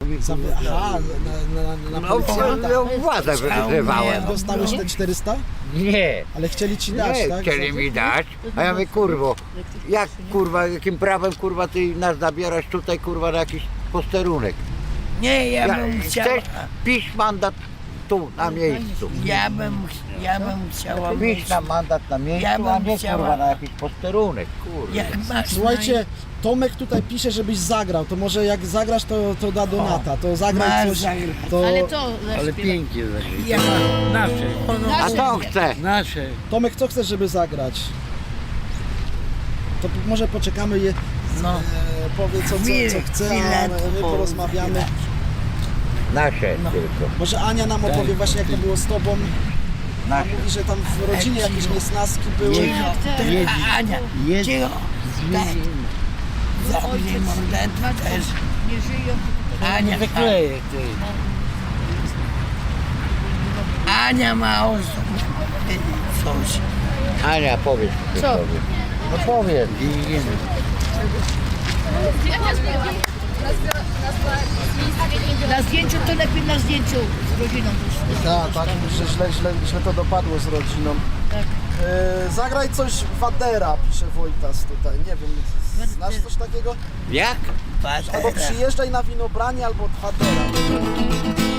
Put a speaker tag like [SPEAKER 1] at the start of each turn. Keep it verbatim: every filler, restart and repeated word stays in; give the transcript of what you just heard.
[SPEAKER 1] mi
[SPEAKER 2] Za,
[SPEAKER 1] kurwa.
[SPEAKER 2] aha, na, na, na, na
[SPEAKER 3] No,
[SPEAKER 2] policjanta.
[SPEAKER 3] no władzę wyzywałem.
[SPEAKER 2] Dostałeś te czterysta?
[SPEAKER 3] Nie,
[SPEAKER 2] Ale chcieli ci dać,
[SPEAKER 3] nie
[SPEAKER 2] tak?
[SPEAKER 3] chcieli mi dać, a ja mówię, kurwo, jak kurwa, jakim prawem kurwa ty nas zabierasz tutaj kurwa na jakiś posterunek?
[SPEAKER 1] Nie, ja
[SPEAKER 3] Ja,
[SPEAKER 1] bym chciał...
[SPEAKER 3] chcesz, pisz mandat tu, na miejscu.
[SPEAKER 1] Ja bym, ja bym chciała
[SPEAKER 3] Pisz
[SPEAKER 1] mieć...
[SPEAKER 3] na mandat na miejscu,
[SPEAKER 1] Ja bym
[SPEAKER 3] a nie
[SPEAKER 1] chciała-
[SPEAKER 3] kurwa na jakiś posterunek, kurwa.
[SPEAKER 1] Jak masz
[SPEAKER 2] Słuchajcie, Tomek tutaj pisze, żebyś zagrał, to może jak zagrasz, to, to da donata, to zagraj
[SPEAKER 1] Masz
[SPEAKER 2] coś,
[SPEAKER 1] zagrać.
[SPEAKER 2] to...
[SPEAKER 4] Ale co?
[SPEAKER 5] Ale pięknie
[SPEAKER 1] na...
[SPEAKER 5] zagrać.
[SPEAKER 1] Ja,
[SPEAKER 5] Nasze,
[SPEAKER 3] A co chce?
[SPEAKER 5] nasze.
[SPEAKER 2] Tomek, co chcesz, żeby zagrać? To p- może poczekamy, je,
[SPEAKER 1] no,
[SPEAKER 2] e, powie co, co,
[SPEAKER 1] Chwilę,
[SPEAKER 2] co chce,
[SPEAKER 1] chwilę,
[SPEAKER 2] a my
[SPEAKER 1] po-
[SPEAKER 2] porozmawiamy.
[SPEAKER 3] Nasze
[SPEAKER 1] No.
[SPEAKER 3] tylko.
[SPEAKER 2] Może Ania nam opowie właśnie, jak to było z tobą.
[SPEAKER 3] Nasze.
[SPEAKER 2] Mówi, że tam w rodzinie jakieś niesnaski były.
[SPEAKER 1] cicho, ty,
[SPEAKER 5] Jedź.
[SPEAKER 1] a Ania,
[SPEAKER 5] Jedź.
[SPEAKER 1] cicho, tak, zabij mordę też.
[SPEAKER 4] Nie żyją.
[SPEAKER 1] Ania,
[SPEAKER 5] Wykleję ty.
[SPEAKER 1] Ania ma o sobie powiedzieć coś.
[SPEAKER 3] Ania, powiedz
[SPEAKER 4] Co?
[SPEAKER 3] sobie. No powiedz.
[SPEAKER 4] Na zdjęciu to lepiej na zdjęciu z rodziną.
[SPEAKER 2] Tak, tak, że źle, źle, źle to dopadło z rodziną.
[SPEAKER 4] Tak.
[SPEAKER 2] E, zagraj coś Wadera, pisze Wojtas tutaj, nie wiem, znasz coś takiego?
[SPEAKER 3] Jak?
[SPEAKER 2] Albo przyjeżdżaj na winobranie, albo Wadera.